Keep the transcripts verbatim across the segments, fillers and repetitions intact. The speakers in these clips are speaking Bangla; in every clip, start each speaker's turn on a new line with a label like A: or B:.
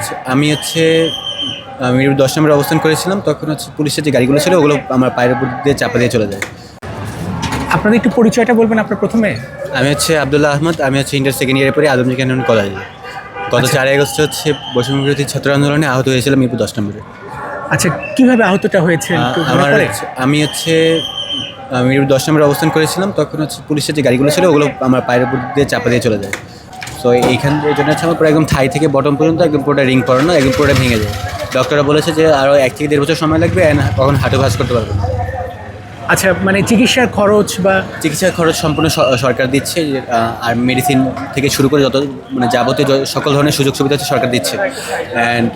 A: হচ্ছে আমি হচ্ছে মিরপুর দশ নম্বরে অবস্থান করেছিলাম। তখন হচ্ছে পুলিশের যে গাড়িগুলো ছিল ওগুলো আমার পায়ের উপর দিয়ে চাপা দিয়ে চলে যায়।
B: আপনাদের একটু পরিচয়টা বলবেন আপনার প্রথমে।
A: আমি হচ্ছে আবদুল্লাহ আহমদ, আমি হচ্ছে ইন্টার সেকেন্ড ইয়ারে পড়ি আদমজি ক্যানন কলেজে। গত
B: আচ্ছা।
A: চারই আগস্ট হচ্ছে বৈষম্য বিরোধী ছাত্র আন্দোলনে আহত হয়েছিলাম মিরপুর দশ নম্বরে।
B: আচ্ছা, কিভাবে আহতটা হয়েছে একটু মনে
A: আমার
B: পড়ে?
A: হচ্ছে- আমি হচ্ছে আহ, মিরপুর দশ নম্বরে অবস্থান করেছিলাম। তখন হচ্ছে পুলিশের যে গাড়িগুলো ছিল ওগুলো আমার পায়ের উপর দিয়ে চাপা দিয়ে চলে যায়। তো এইখান এই জন্য হচ্ছে আমার পুরো একদম থাই থেকে বটম পর্যন্ত একদম পুরোটা রিং পড়ানো, একদম পুরোটা ভেঙে যায়। ডক্টররা বলেছে যে আরও এক থেকে দেড় বছর সময় লাগবে, অ্যান্ড কখন হাঁটু ভাঁজ করতে পারবে না।
B: আচ্ছা, মানে চিকিৎসার খরচ বা
A: চিকিৎসার খরচ সম্পূর্ণ স- সরকার দিচ্ছে, আহ, আর মেডিসিন থেকে শুরু করে যত মানে যাবতীয় য- সকল ধরনের সুযোগ সুবিধা হচ্ছে সরকার দিচ্ছে, অ্যান্ড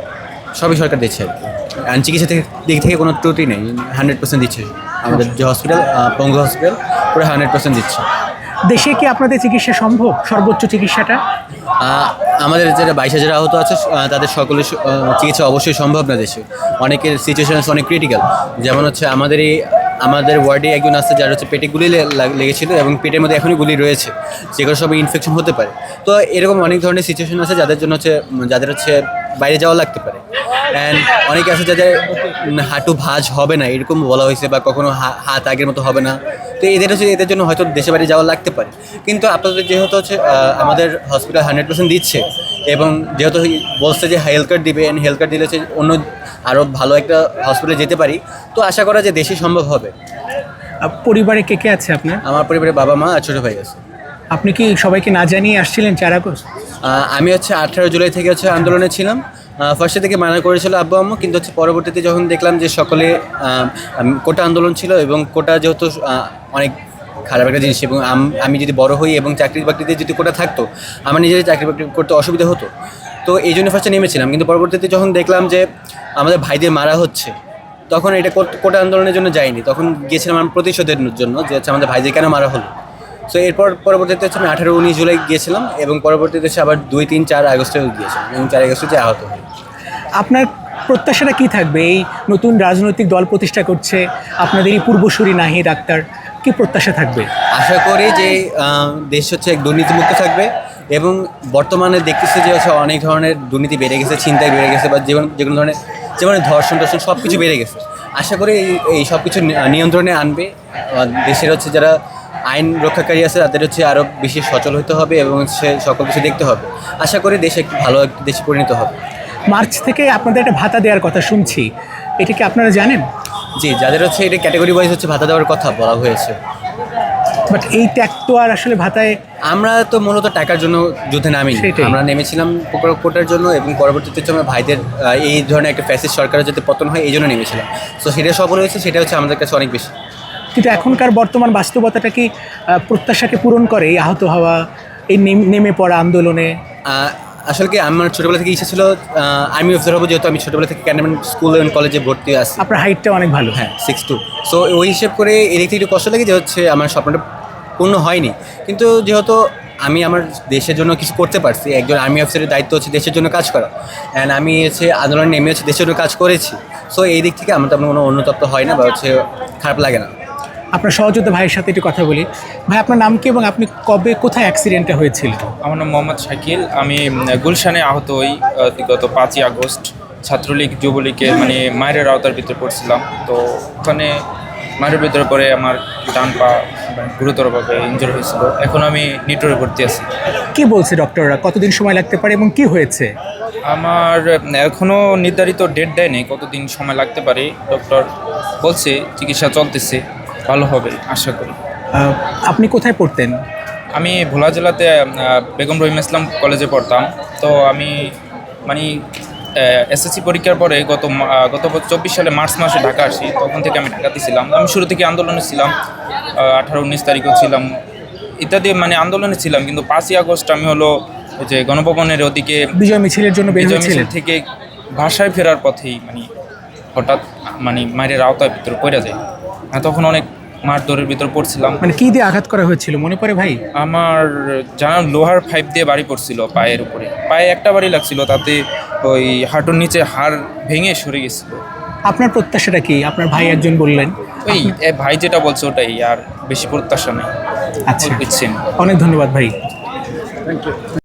A: সবই সরকার দিচ্ছে আর কি। অ্যান্ড চিকিৎসা থেকে দিক থেকে কোনো ত্রুটি নেই, হান্ড্রেড পার্সেন্ট দিচ্ছে আমাদের যে হসপিটাল, পঙ্গু হসপিটাল, পুরো হান্ড্রেড পার্সেন্ট দিচ্ছে।
B: দেশে কি আপনাদের চিকিৎসা সম্ভব, সর্বোচ্চ চিকিৎসাটা?
A: আহ, আমাদের যারা বাইশ হাজার আহত আছে আহ, তাদের সকলের স- আহ, চিকিৎসা অবশ্যই সম্ভব না দেশে। অনেকের সিচুয়েশন অনেক ক্রিটিক্যাল। যেমন হচ্ছে আমাদের এই আমাদের ওয়ার্ডে একজন আছে যার হচ্ছে পেটে গুলি লে- লাগ- লেগেছিল এবং পেটের মধ্যে এখনই গুলি রয়েছে, যেগুলো সব ইনফেকশন হতে পারে। তো এরকম অনেক ধরনের সিচুয়েশন আছে যাদের জন্য হচ্ছে উম, যাদের হচ্ছে বাইরে যাওয়া লাগতে পারে। অ্যান্ড অনেকে আছে যাদের উম, হাঁটু ভাঁজ হবে না এরকম বলা হয়েছে, বা কখনো হা- হাত আগের মতো হবে না। তো এদের হচ্ছে এদের জন্য হয়তো দেশে বাইরে যাওয়া লাগতে পারে। কিন্তু আপনাদের যেহেতু হচ্ছে আহ, আমাদের হসপিটাল হান্ড্রেড পার্সেন্ট দিচ্ছে, এবং যেহেতু বলছে যে হেলথ কার্ড দিবে, অ্যান্ড হেলথ কার্ড দিলে হচ্ছে অন্য আরও ভালো একটা হসপিটালে যেতে পারি, তো আশা করা যে দেশে সম্ভব হবে।
B: আহ, পরিবারে কে কে আছে আপনার?
A: আমার পরিবারে বাবা মা আর ছোটো ভাই আছে।
B: আপনি কি সবাইকে না জানিয়ে আসছিলেন চার আগস্ট?
A: আহ, আমি হচ্ছে আঠারো জুলাই থেকে হচ্ছে আন্দোলনে ছিলাম। ফার্স্টে থেকে মানা করেছিল আব্বু আম্মু, কিন্তু হচ্ছে পরবর্তীতে যখন দেখলাম যে সকলে আহ, আম, কোটা আন্দোলন ছিল, এবং কোটা যেহেতু আহ, অনেক খারাপ একটা জিনিস, এবং আম- আমি যদি বড় হই এবং চাকরি বাকরিতে যদি কোটা থাকতো, আমার নিজের চাকরি বাকরি করতে অসুবিধা হতো। তো এই জন্য ফার্স্টে নেমেছিলাম, কিন্তু পরবর্তীতে যখন দেখলাম যে আমাদের ভাইদের মারা হচ্ছে, তখন এটা কোট- কোটা আন্দোলনের জন্য যাইনি, তখন গিয়েছিলাম আমার প্রতিশোধের জন্য, যে হচ্ছে আমাদের ভাইদের কেন মারা হলো। সো এরপর পরবর্তীতে হচ্ছে আমি আঠারো উনিশ জুলাই গিয়েছিলাম, এবং পরবর্তীতে হচ্ছে আবার দুই তিন চার আগস্টেও গিয়েছিলাম, এবং চার আগস্টে যে আহত হই।
B: আপনার প্রত্যাশাটা কি থাকবে? এই নতুন রাজনৈতিক দল প্রতিষ্ঠা করছে আপনাদের এই পূর্বসূরি নাহিদ আক্তার, কি প্রত্যাশা থাকবে?
A: আশা করি যে আহ, দেশ হচ্ছে এক দুর্নীতিমুক্ত থাকবে, এবং বর্তমানে দেখতেছি যে হচ্ছে অনেক ধরনের দুর্নীতি বেড়ে গেছে, ছিনতাই বেড়ে গেছে, বা যেমন যে কোনো ধরনের যেমন ধর্ষণ টর্ষণ সব কিছু বেড়ে গেছে। আশা করি এই এই সব কিছু নি- নিয়ন্ত্রণে আনবে। আহ, দেশের হচ্ছে যারা আইন রক্ষাকারী আছে তাদের হচ্ছে আরও বেশি সচল হতে হবে, এবং হচ্ছে সকল কিছু দেখতে হবে। আশা করি দেশ একটু ভালো একটা দেশে পরিণত হবে।
B: মার্চ থেকে আপনাদের একটা ভাতা দেওয়ার কথা শুনছি, এটা কি আপনারা জানেন?
A: জি, যাদের হচ্ছে এটা ক্যাটাগরি ওয়াইজ হচ্ছে ভাতা দেওয়ার কথা বলা হয়েছে।
B: বাট এই ট্যাগ তো আর আসলে ভাতায়।
A: আমরা তো মূলত টাকার জন্য যুদ্ধে নামি,
B: সেটাই।
A: আমরা নেমেছিলাম কোটা- কোটার জন্য, এবং পরবর্তীতে হচ্ছে আমার ভাইদের আহ, এই ধরনের একটা ফ্যাসিস্ট সরকারের যাতে পতন হয় এই জন্য নেমেছিলাম। তো সেটা সফল হয়েছে, সেটা হচ্ছে আমাদের কাছে অনেক বেশি।
B: কিন্তু এখনকার বর্তমান বাস্তবতাটা কি আহ, প্রত্যাশাকে পূরণ করে? এই আহত হওয়া, এই নেম- নেমে পড়া আন্দোলনে?
A: আহ, আসলে কি আমার ছোটোবেলা থেকে ইচ্ছা ছিল আর্মি অফিসার হবো, যেহেতু আমি ছোটোবেলা থেকে ক্যান্টনমেন্ট স্কুল এবং কলেজে ভর্তি আছি।
B: আপনার হাইটটা অনেক ভালো।
A: হ্যাঁ, সিক্স টু। সো ওই হিসেব করে এদিক থেকে একটু কষ্ট লাগে যে হচ্ছে আমার স্বপ্নটা পূর্ণ হয়নি। কিন্তু যেহেতু আমি আমার দেশের জন্য কিছু করতে পারছি, একজন আর্মি অফিসারের দায়িত্ব হচ্ছে দেশের জন্য কাজ করা, অ্যান্ড আমি হচ্ছে আন্দোলনে নেমে হচ্ছে দেশের জন্য কাজ করেছি। সো এই দিক থেকে আমার তেমন কোনো অনুতপ্ত হয় না, বা হচ্ছে খারাপ লাগে না।
B: আপনার সহযোদ্ধা ভাইয়ের সাথে একটু কথা বলি। ভাই, আপনার নাম কি এবং আপনি কবে কোথায় অ্যাক্সিডেন্টটা হয়েছিল?
C: আমার নাম মোহাম্মদ শাকিল। আমি উম, গুলশানে আহত হই আহ, গত পাঁচই আগস্ট। ছাত্রলীগ যুবলীগের মানে মায়ের আওতার ভিতরে পড়ছিলাম। তো ওখানে মায়ের ভিতরে পরে আমার ডান পা মানে গুরুতরভাবে ইনজোর হয়েছিল। এখন আমি নিটোরে ভর্তি আছি।
B: কি বলছে ডক্টররা, কতদিন সময় লাগতে পারে এবং কি হয়েছে?
C: আমার উম, এখনও নির্ধারিত ডেট দেয়নি কতদিন সময় লাগতে পারে। ডক্টর বলছে চিকিৎসা চলতেছে, ভালো হবে আশা করি।
B: আহ, আপনি কোথায় পড়তেন?
C: আমি ভোলা জেলাতে আহ, বেগম রহিম ইসলাম কলেজে পড়তাম। তো আমি মানে এসএসসি পরীক্ষার পরে গত মা- আহ, গত বছর চব্বিশ সালে মার্চ মাসে ঢাকা আসি। তখন থেকে আমি ঢাকাতে ছিলাম। আমি শুরু থেকে আন্দোলনে ছিলাম, আঠারো উনিশ তারিখেও ছিলাম, ইত্যাদি মানে আন্দোলনে ছিলাম। কিন্তু পাঁচই আগস্ট আমি হলো ওই যে গণভবনের ওদিকে
B: বিজয় মিছিলের জন্য বের
C: বিজয় মিছিল
B: হয়েছিলেন?
C: থেকে বাসায় ফেরার পথেই মানে হঠাৎ মানে মায়ের আওতার ভিতরে পড়ে যায়। আমি তখন অনেক মারধরের ভিতর পড়ছিলাম।
B: মানে কি দিয়ে আঘাত করা হয়েছিল মনে পড়ে ভাই?
C: আমার জানার লোহার পাইপ দিয়ে বাড়ি পড়ছিল পায়ের উপরে। পায়ে একটা বাড়ি লাগছিল, তাতে ওই হাঁটুর নিচে হাড় ভেঙে সরে গেছিল।
B: আপনার প্রত্যাশাটা কি? আপনার ভাই একজন বললেন।
C: ওই এ ভাই যেটা বলছে ওটাই, আর বেশি প্রত্যাশা নেই।
B: আচ্ছা,
C: বুঝছেন।
B: অনেক ধন্যবাদ ভাই।